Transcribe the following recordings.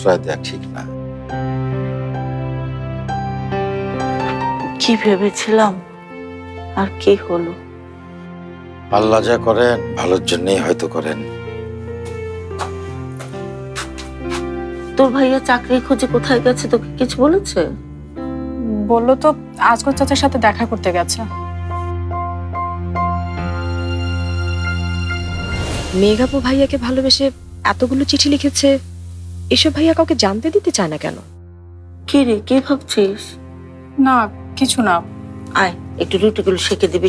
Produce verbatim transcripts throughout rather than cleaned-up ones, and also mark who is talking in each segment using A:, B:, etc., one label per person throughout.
A: দেওয়া ঠিক না।
B: কি ভেবেছিলাম আর কি হলো।
A: আল্লাহ যা করেন ভালোর জন্যই হয়তো করেন।
B: তোর ভাইয়া চাকরি খুঁজে কোথায় গেছে, তোকে কিছু বলেছে?
C: বললো তো আজগর চাচার সাথে দেখা করতে গেছে।
D: মেঘাপু ভাইয়াকে ভালোবেসে এতগুলো চিঠি লিখেছে, এসব ভাইয়া কাউকে জানতে দিতে চায় না কেন?
B: কি রে, কি ভাবছিস?
C: না কিছু না।
B: আয় একটু রুটিগুলো সেঁকে দিবি।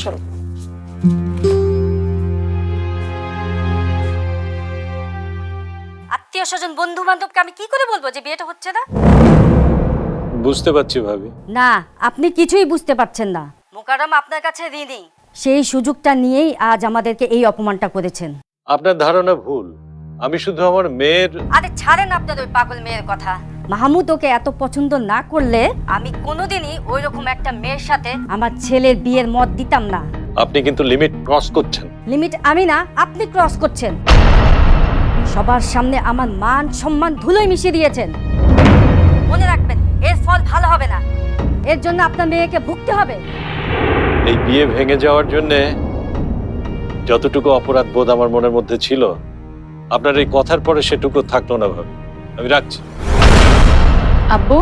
E: আত্মীয় স্বজন বন্ধু বান্ধবকে আমি কি করে বলবো যে বিয়েটা হচ্ছে না?
F: বুঝতে পারছি ভাবি।
E: না, আপনি কিছুই বুঝতে পারছেন না। মোকাররম আপনার কাছে ঋণী। সেই সুযোগটা নিয়েই আজ আমাদেরকে এই অপমানটা করেছেন।
F: আপনার ধারণা ভুল। আমি শুধু আমার মেয়ের।
E: আরে ছাড়েন আপনার ওই পাগল মেয়ের কথা। মাহমুদ ওকে এত পছন্দ না করলে আমি কোনোদিনই ওই রকম একটা মেয়ের সাথে আমার ছেলের বিয়ের মত দিতাম না।
F: আপনি কিন্তু লিমিট ক্রস করছেন।
E: লিমিট আমি না, আপনি ক্রস করছেন। সবার সামনে আমার মান সম্মান ধুলোয় মিশিয়ে দিয়েছেন। মনে রাখবেন, এর ফল ভালো হবে না। এর জন্য আপনার মেয়েকে ভুগতে হবে।
F: এই বিয়ে ভেঙে যাওয়ার জন্য যতটুকু অপরাধ বোধ আমার মনের মধ্যে ছিল, আপনার এই কথার পরে সেটুকু থাকলো না ভাবি। আমি রাখছি।
C: আব্বু,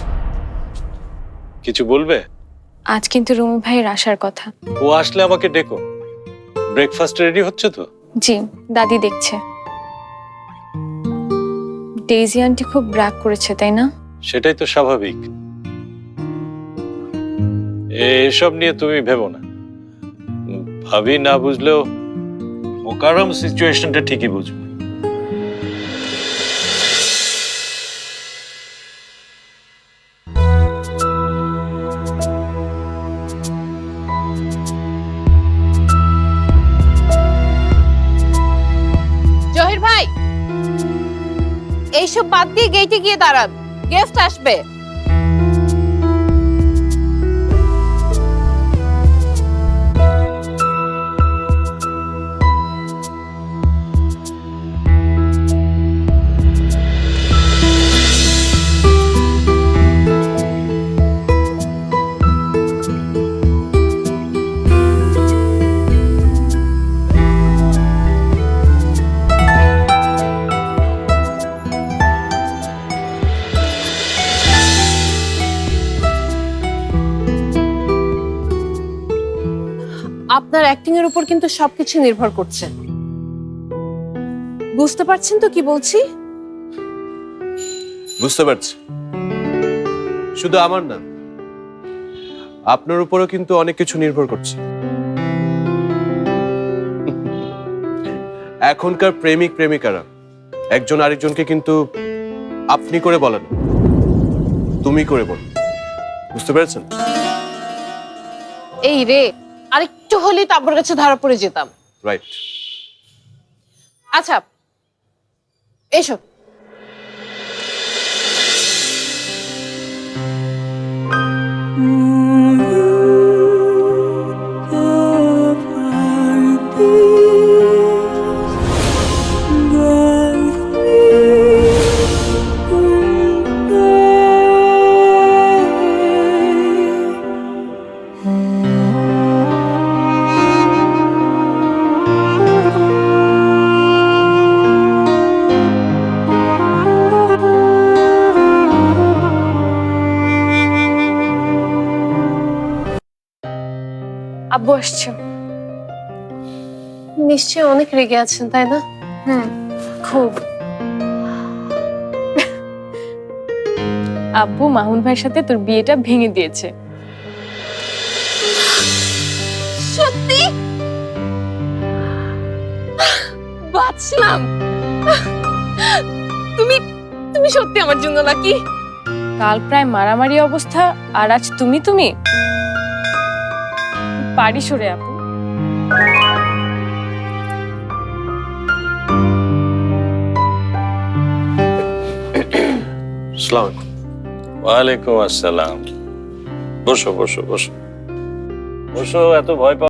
F: কিছু বলবে?
C: আজ কিন্তু রুমি ভাইয়ের আসার কথা।
F: ও আসলে আমাকে ডেকো। ব্রেকফাস্ট রেডি হচ্ছে তো?
C: জি, দাদি দেখছে। ডেইজি আন্টি খুব রাগ করেছে, তাই না?
F: সেটাই তো স্বাভাবিক। এসব নিয়ে তুমি ভেবো না। ভাবি না বুঝলেও মোকাররম সিচুয়েশনটা ঠিকই বুঝবে।
G: জহির ভাই, এইসব বাদ দিয়ে গেটে গিয়ে দাঁড়ান, গেস্ট আসবে। আপনার অ্যাক্টিং এর উপর কিন্তু সবকিছু নির্ভর করছে। বুঝতে পারছেন তো কি বলছি?
H: বুঝতে পারছি। শুধু আমার না, আপনার উপরও কিন্তু অনেক কিছু নির্ভর করছে। এখনকার প্রেমিক প্রেমিকারা একজন আরেকজনকে কিন্তু আপনি করে বলেন, তুমি করে বলেন। বুঝতে পেরেছেন?
G: এই রে, আরেকটু হলেই তো আপনার কাছে ধরা পড়ে যেতাম।
H: রাইট।
G: আচ্ছা এসো।
C: আব্বু আসছে। নিশ্চয়ই অনেক রেগে আছেন, তাই না? হুম, খুব। আব্বু মাহুন ভাইয়ের সাথে তোর বিয়েটা ভেঙে দিয়েছে।
G: সত্যি? বাঁচলাম। তুমি তুমি সত্যি আমার জন্য লাকি।
C: কাল প্রায় মারামারি অবস্থা, আর আজ তুমি তুমি পারি সরে আপু।
H: আসসালামু আলাইকুম।
F: ওয়ালাইকুম আসসালাম। বসো বসো বসো বসো, এত ভয় পাও